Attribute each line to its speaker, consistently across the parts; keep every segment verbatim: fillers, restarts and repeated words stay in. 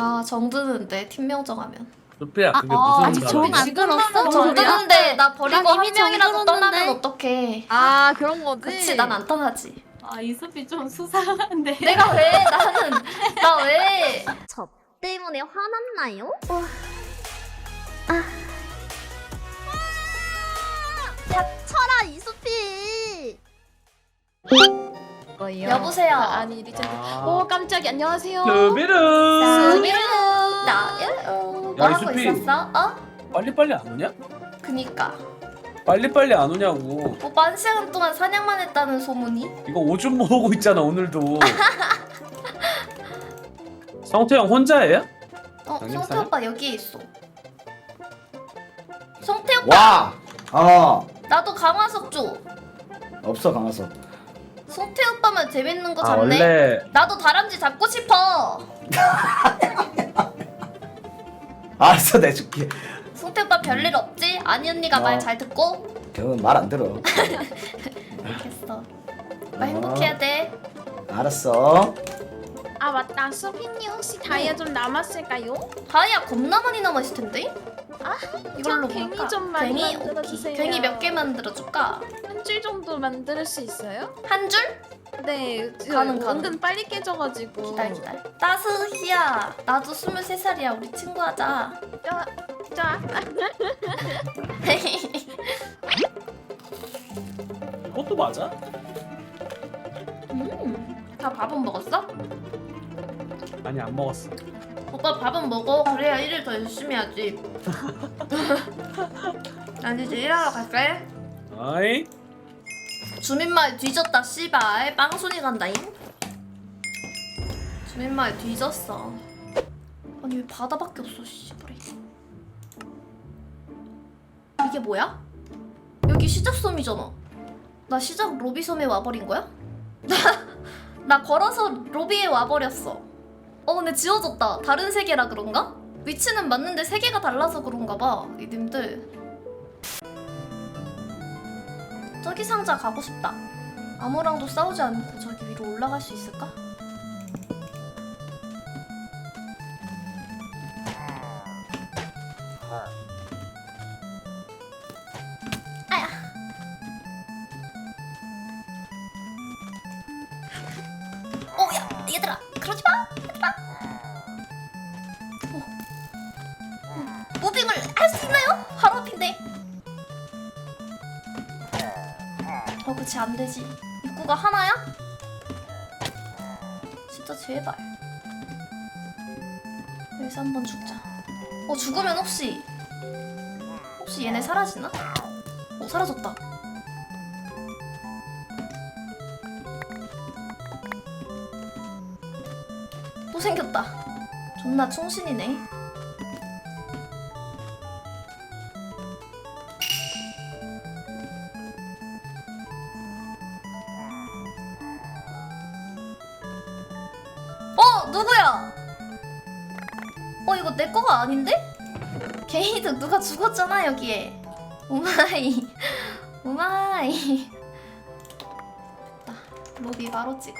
Speaker 1: 아 정드는데 팀명 정하면.
Speaker 2: 루피야 그게
Speaker 3: 아,
Speaker 2: 무슨
Speaker 3: 아직
Speaker 2: 말이야?
Speaker 3: 정이 안 들었어?
Speaker 1: 정드는데 나 버리고
Speaker 3: 난
Speaker 1: 한
Speaker 3: 이미
Speaker 1: 명이라도
Speaker 3: 정들었는데.
Speaker 1: 떠나면 어떡해.
Speaker 3: 아 그런 거지?
Speaker 1: 그치 난 안 떠나지.
Speaker 4: 아 이수비 좀 수상한데.
Speaker 1: 내가 왜 나는 나 왜?
Speaker 5: 저 때문에 화났나요? 닥쳐라 이수피.
Speaker 3: 뭐요?
Speaker 1: 여보세요.
Speaker 3: 아, 아니 리젠드.
Speaker 2: 아.
Speaker 3: 오 깜짝이야. 안녕하세요.
Speaker 2: 루비르
Speaker 1: 수미루 나야 뭐
Speaker 2: 야,
Speaker 1: 하고
Speaker 2: 이수피.
Speaker 1: 있었어? 어?
Speaker 2: 빨리빨리 안 오냐?
Speaker 1: 그니까
Speaker 2: 빨리빨리 안 오냐고.
Speaker 1: 오빠 한 시간 동안 사냥만 했다는 소문이?
Speaker 2: 이거 오줌 모으고 있잖아 오늘도. 성태형 혼자예요?
Speaker 1: 어
Speaker 2: 양념
Speaker 1: 성태
Speaker 2: 사냥?
Speaker 1: 오빠 여기에 있어. 성태 오빠
Speaker 6: 와! 어
Speaker 1: 나도 강화석 줘.
Speaker 6: 없어 강화서.
Speaker 1: 성태 오빠만 재밌는 거
Speaker 2: 아
Speaker 1: 잡네.
Speaker 2: 원래
Speaker 1: 나도 다람쥐 잡고 싶어.
Speaker 6: 알았어 내줄게.
Speaker 1: 성태 오빠 별일 없지? 아니 언니가
Speaker 6: 어.
Speaker 1: 말 잘 듣고?
Speaker 6: 그건 말 안 들어.
Speaker 1: 알겠어. 오빠 행복해야 돼.
Speaker 6: 알았어.
Speaker 3: 아 맞다. 수빈이 혹시 다이아 좀 남았을까요?
Speaker 1: 다이아 겁나 많이 남았을 텐데?
Speaker 3: 아
Speaker 1: 이걸로
Speaker 3: 저 괭이
Speaker 1: 볼까?
Speaker 3: 좀 많이
Speaker 1: 괭이?
Speaker 3: 만들어주세요.
Speaker 1: 오케이. 괭이 몇 개 만들어줄까?
Speaker 3: 한 줄 정도 만들 수 있어요?
Speaker 1: 한 줄?
Speaker 3: 네. 그
Speaker 1: 가능, 가능.
Speaker 3: 은근 빨리 깨져가지고.
Speaker 1: 기다려 기다려. 따스히야 나도 스물세 살이야. 우리 친구하자.
Speaker 3: 자, 자.
Speaker 2: 이것도 맞아?
Speaker 1: 음, 다 밥은 먹었어?
Speaker 2: 아니 안 먹었어.
Speaker 1: 오빠 밥은 먹어. 그래야 일을 더 열심히 하지. 난 이제 일하러 갈게.
Speaker 2: 아이
Speaker 1: 주민마을 뒤졌다 씨발. 빵순이 간다잉. 주민마을 뒤졌어. 아니 왜 바다밖에 없어 씨발이. 이게 뭐야? 여기 시작섬이잖아. 나 시작 로비섬에 와버린 거야? 나, 나 걸어서 로비에 와버렸어. 어 근데 지워졌다. 다른 세계라 그런가? 위치는 맞는데 세계가 달라서 그런가 봐. 이님들. 저기 상자 가고 싶다. 아무랑도 싸우지 않고 저기 위로 올라갈 수 있을까? 아야. 오야 얘들아 그러지 마. 얘들아. 어. 어. 무빙을 할 수 있나요? 바로 앞인데. 어 그치 안되지. 입구가 하나야? 진짜 제발 여기서 한번 죽자. 어 죽으면 혹시 혹시 얘네 사라지나? 어 사라졌다. 또 생겼다. 존나 충신이네. 어 누구야? 어 이거 내 거가 아닌데? 게이드 누가 죽었잖아 여기에. 오마이 오마이. 나 로비 바로 찍어.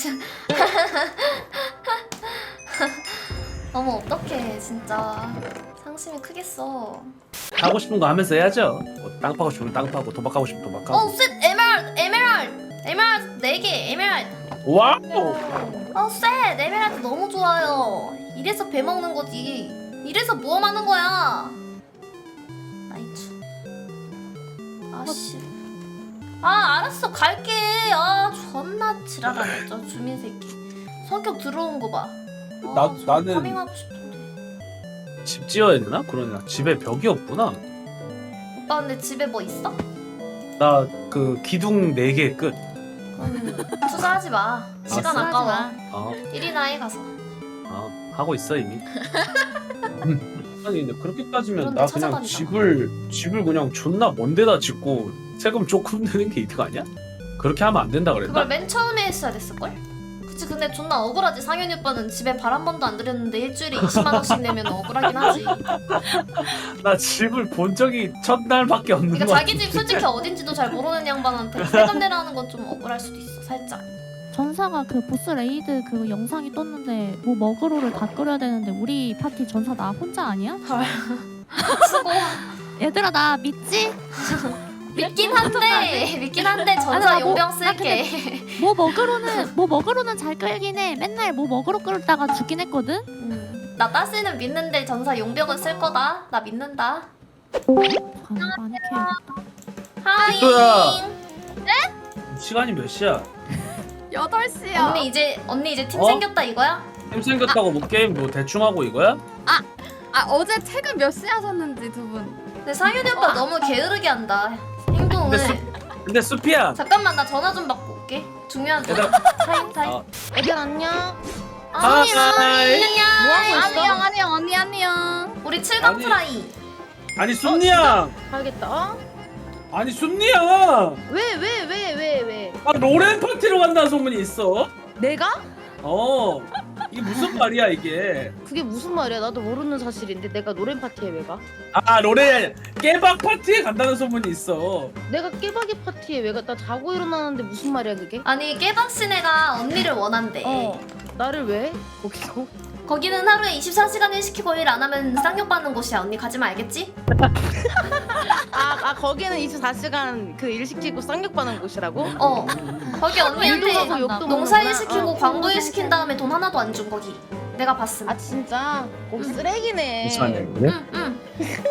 Speaker 1: 어머 어떡해 진짜 상심이 크겠어.
Speaker 2: 하고 싶은 거 하면서 해야죠. 뭐, 땅 파고 싶으면 땅 파고 도박하고 싶으면 도박하고.
Speaker 1: 어쉣 에메랄드 에메랄드 에메랄드 네 개 에메랄드.
Speaker 2: 와우.
Speaker 1: 어쉣 에메랄드 너무 좋아요. 이래서 배 먹는 거지. 이래서 모험하는 거야. 나이츠. 아씨. 아 알았어 갈게. 아 존나 지랄하네 저 주민 새끼. 성격 들어온 거 봐. 아,
Speaker 2: 나-
Speaker 1: 저
Speaker 2: 나는-
Speaker 1: 파밍하고 싶은데.
Speaker 2: 집 지어야 되나? 그러나 집에 벽이 없구나.
Speaker 1: 오빠 근데 집에 뭐 있어?
Speaker 2: 나 그 기둥 네 개 끝.
Speaker 1: 그럼 투자하지 마. 시간
Speaker 3: 투자하지
Speaker 1: 아까워.
Speaker 3: 마.
Speaker 2: 어,
Speaker 1: 일이나 해 가서.
Speaker 2: 어 하고 있어 이미. 아니 근데 그렇게 따지면
Speaker 1: 그런데
Speaker 2: 나 그냥
Speaker 1: 찾아다니다.
Speaker 2: 집을 집을 그냥 존나 먼 데다 짓고 세금 조금 내는 게 이득 아니야? 그렇게 하면 안 된다 그랬나?
Speaker 1: 그걸 맨 처음에 했어야 됐을걸? 그치 근데 존나 억울하지. 상현이 오빠는 집에 발 한 번도 안 들였는데 일주일에 이십만 원씩 내면 억울하긴 하지.
Speaker 2: 나 집을 본 적이 첫날밖에 없는
Speaker 1: 그러니까
Speaker 2: 거야.
Speaker 1: 자기 집 솔직히 어딘지도 잘 모르는 양반한테 세금 내라는 건 좀 억울할 수도 있어 살짝.
Speaker 7: 전사가 그 보스 레이드 그 영상이 떴는데 뭐 먹으로를 다 끓여야 되는데 우리 파티 전사 나 혼자 아니야?
Speaker 1: 수고.
Speaker 7: 얘들아 나 믿지?
Speaker 1: 믿긴 한데 믿긴 한데
Speaker 7: 아니,
Speaker 1: 전사
Speaker 7: 나 뭐-
Speaker 1: 용병
Speaker 7: 나
Speaker 1: 쓸게.
Speaker 7: 뭐 먹으로는 뭐 먹으로는 잘 끌긴 해. 맨날 뭐 먹으로 끓다가 죽긴 했거든.
Speaker 1: 음. 나 따스는 믿는데 전사 용병은 쓸 거다. 나 믿는다.
Speaker 7: 아, 많이 캐야겠다.
Speaker 1: 하이.
Speaker 2: 또야. 시간이 몇 시야?
Speaker 4: 여덟 시야.
Speaker 1: 언니 이제 언니 이제 팀
Speaker 2: 어?
Speaker 1: 생겼다 이거야?
Speaker 2: 팀 생겼다고 뭐 게임 뭐 대충 하고 이거야?
Speaker 4: 아 어제 퇴근 몇 시에 하셨는지 두 분.
Speaker 1: 근데 상윤이 오빠 너무 게으르게 한다. 행동을.
Speaker 2: 근데 수, 근데 수피야.
Speaker 1: 잠깐만 나 전화 좀 받고 올게. 중요한 전화.
Speaker 2: 얘들아.
Speaker 1: 타임 타임.
Speaker 2: 아,
Speaker 5: 애들 안녕.
Speaker 2: 하이.
Speaker 1: 안녕.
Speaker 4: 안녕 안녕 언니 안녕.
Speaker 1: 우리 칠강
Speaker 2: 아니.
Speaker 1: 트라이.
Speaker 2: 아니 순니야.
Speaker 5: 가야겠다.
Speaker 2: 아니 순니야.
Speaker 5: 왜 왜 왜 왜 왜?
Speaker 2: 아 로렌 파티로 간다는 소문이 있어.
Speaker 5: 내가?
Speaker 2: 어. 이게 무슨 말이야 이게?
Speaker 5: 그게 무슨 말이야? 나도 모르는 사실인데 내가 노래 파티에 왜 가?
Speaker 2: 아 로렌 깨박 파티에 간다는 소문이 있어.
Speaker 5: 내가 깨박이 파티에 왜 가? 나 자고 일어나는데 무슨 말이야 그게?
Speaker 1: 아니 깨박씨네가 언니를 원한대.
Speaker 5: 어. 나를 왜? 거기서?
Speaker 1: 거기는 하루에 이십사 시간 일 시키고 일 안 하면 쌍욕 받는 곳이야. 언니 가지마 알겠지?
Speaker 5: 아, 아 거기는 이십사 시간 그 일 시키고 쌍욕 받는 곳이라고?
Speaker 1: 어. 거기
Speaker 5: 일도
Speaker 1: 언니한테
Speaker 5: 하고 욕도
Speaker 1: 농사 일
Speaker 5: 먹는구나.
Speaker 1: 시키고
Speaker 5: 어.
Speaker 1: 광고 일 시킨 다음에 돈 하나도 안 준 거기. 내가 봤음.
Speaker 5: 아 진짜? 거기 쓰레기네.
Speaker 1: 응 응.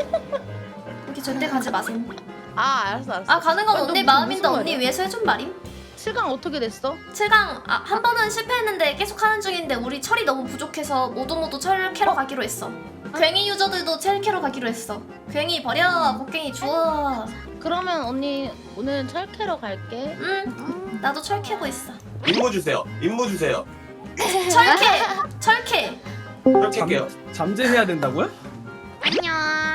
Speaker 1: 거기 절대 가지 마세요.
Speaker 5: 아 알았어 알았어.
Speaker 1: 아 가는 건
Speaker 5: 아, 너
Speaker 1: 언니
Speaker 5: 무슨-
Speaker 1: 마음인데
Speaker 5: 무슨
Speaker 1: 언니
Speaker 5: 말이야?
Speaker 1: 위해서 해준 말임.
Speaker 5: 칠강 어떻게 됐어?
Speaker 1: 칠 강 아, 한 번은 실패했는데 계속 하는 중인데 우리 철이 너무 부족해서 모두 모두 철 캐러 가기로 했어. 괜히 유저들도 철 캐러 가기로 했어. 괜히 버려 곡괭이 주워.
Speaker 5: 그러면 언니 오늘 철 캐러 갈게.
Speaker 1: 응 나도 철 캐고 있어.
Speaker 8: 임무 주세요. 임무 주세요.
Speaker 1: 철캐 철캐.
Speaker 8: 그렇게 할게요.
Speaker 2: 잠재해야 된다고요?
Speaker 5: 안녕.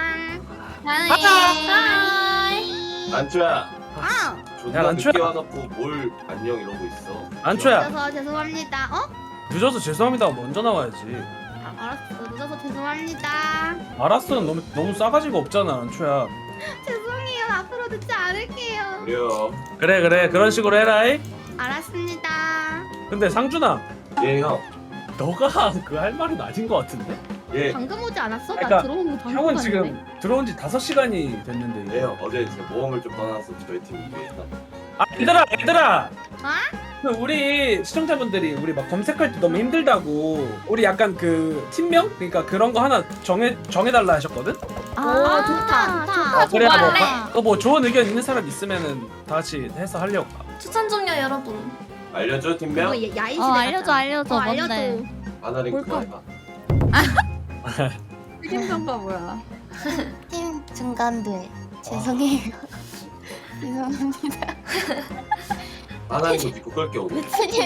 Speaker 1: 하이.
Speaker 8: 난초야.
Speaker 5: 아.
Speaker 8: 존나
Speaker 2: 야, 난초야.
Speaker 8: 늦게 와놓고 뭘 안녕 이러고 있어.
Speaker 2: 안초야.
Speaker 5: 늦어서 죄송합니다. 어?
Speaker 2: 늦어서 죄송합니다. 먼저 나와야지.
Speaker 5: 아, 알았어. 늦어서 죄송합니다.
Speaker 2: 알았어는 너무 너무 싸가지가 없잖아 안초야.
Speaker 5: 죄송해요. 앞으로 듣지 않을게요.
Speaker 8: 그래요.
Speaker 2: 그래 그래 그런 식으로 해라이.
Speaker 5: 알았습니다.
Speaker 2: 근데 상준아
Speaker 8: 예 형.
Speaker 2: 너가 그 할 말은 아닌 것 같은데?
Speaker 8: 예.
Speaker 5: 방금 오지 않았어?
Speaker 2: 그러니까
Speaker 5: 나 들어온 거 방금
Speaker 2: 형은
Speaker 5: 봤는데.
Speaker 2: 지금 들어온 지 다섯 시간이 됐는데.
Speaker 8: 예 형. 어제 제 모험을 좀 떠나서 저희 팀 위해서.
Speaker 2: 아 얘들아 얘들아.
Speaker 5: 아?
Speaker 2: 그 우리 시청자분들이 우리 막 검색할 때 너무 힘들다고 우리 약간 그 팀명 그러니까 그런 거 하나 정해 정해달라 하셨거든.
Speaker 5: 아, 좋다, 좋다.
Speaker 2: 어, 그래 뭐,
Speaker 1: 할래?
Speaker 2: 어, 뭐 좋은 의견 있는 사람 있으면은 다 같이 해서 하려고.
Speaker 1: 추천 좀요 여러분.
Speaker 8: 알려줘 팀명.
Speaker 5: 이거 야인
Speaker 7: 어 알려줘 알려줘
Speaker 5: 어,
Speaker 7: 뭔데?
Speaker 5: 알려줘.
Speaker 8: 하나링크
Speaker 5: 볼까?
Speaker 8: 해봐.
Speaker 4: 책임전가 뭐야?
Speaker 9: 팀 중간들 죄송해요. 죄송합니다.
Speaker 8: 하나링크 믿고 끌게 오늘.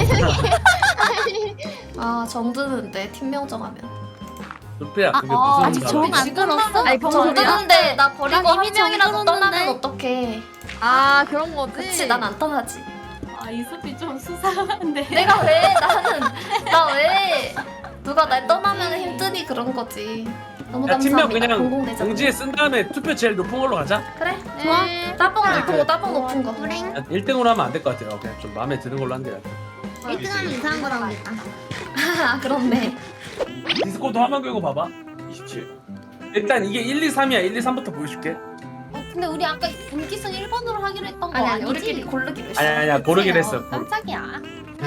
Speaker 1: 아 정드는데 팀명 정하면.
Speaker 2: 루피야 그게
Speaker 7: 아,
Speaker 2: 무슨
Speaker 7: 아직 정 안 들었어?
Speaker 4: 아니, 정-
Speaker 1: 정드는데 나 버리고
Speaker 7: 난 이미
Speaker 1: 한 명이라도
Speaker 7: 정들었는데.
Speaker 1: 떠나면 어떡해.
Speaker 4: 아 그런 거지.
Speaker 1: 그치 난 안 떠나지.
Speaker 4: 아 이수피 좀 수상한데.
Speaker 1: 내가 왜 나는 나 왜 누가 날 떠나면 힘드니 그런 거지. 너무
Speaker 2: 야 팀명
Speaker 1: 감사합니다.
Speaker 2: 그냥
Speaker 1: 공공대장.
Speaker 2: 공지에 쓴 다음에 투표 제일 높은 걸로 가자.
Speaker 1: 그래?
Speaker 7: 좋아.
Speaker 1: 따봉
Speaker 2: 그래,
Speaker 1: 높은
Speaker 2: 그래.
Speaker 1: 거 따봉 높은 거.
Speaker 2: 일 등으로 하면 안 될 것 같아요. 그냥 좀 마음에 드는 걸로 하는 게 낫아.
Speaker 5: 일 등 하면 이상한 거 나오겠다.
Speaker 1: 아 그렇네.
Speaker 2: 디스코드 화면 끄고 봐봐.
Speaker 8: 이십칠.
Speaker 2: 일단 이게 일, 이, 삼이야. 일, 이, 삼부터 보여줄게.
Speaker 9: 어, 근데 우리 아까 분기선 일 번으로 하기로 했던 거
Speaker 1: 아니 아니
Speaker 9: 아니지?
Speaker 1: 우리끼리 고르기로 했어.
Speaker 2: 아니 아니야 고르기로 했어.
Speaker 9: 어, 깜짝이야.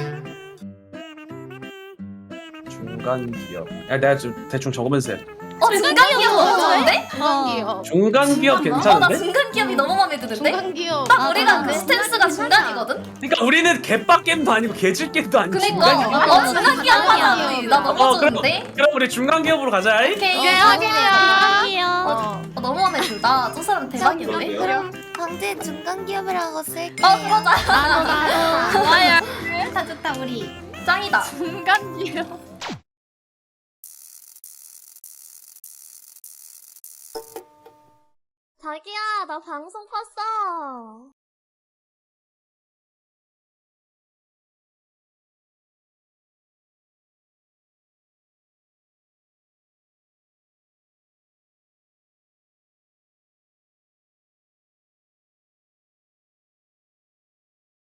Speaker 2: 중간 기업. 야 내가 좀 대충 적으면서 해.
Speaker 1: 어 중간 기업 너무 좋은데?
Speaker 5: 중간 기업.
Speaker 2: 중간 기업
Speaker 1: 어 나
Speaker 2: 괜찮은데?
Speaker 1: 중간 기업이 너무 마음에 드는데?
Speaker 5: 중간 기업.
Speaker 1: 딱
Speaker 7: 아,
Speaker 1: 우리가 그
Speaker 7: 그래?
Speaker 1: 스탠스가 중간이거든?
Speaker 2: 그러니까 우리는 개빡 게임도 아니고 개질 게임도 아니고
Speaker 1: 그니까
Speaker 2: 중간 기업.
Speaker 1: 어 중간 기업 하자 우리. 나 너무
Speaker 2: 어, 그럼,
Speaker 1: 좋은데?
Speaker 2: 그럼 우리 중간 기업으로 가자. 이?
Speaker 1: 오케이
Speaker 7: 중간이요.
Speaker 1: 어, 어, 너무 마음에 든다. 저 사람 대박이네.
Speaker 8: 그러게요.
Speaker 9: 그럼 강제 중간 기업이라고 쓸게.
Speaker 1: 어 그러자.
Speaker 7: 나도 나도.
Speaker 4: 좋아요.
Speaker 9: 좋다 좋다 우리.
Speaker 1: 짱이다.
Speaker 4: 중간 기업.
Speaker 5: 자기야, 나 방송 껐어.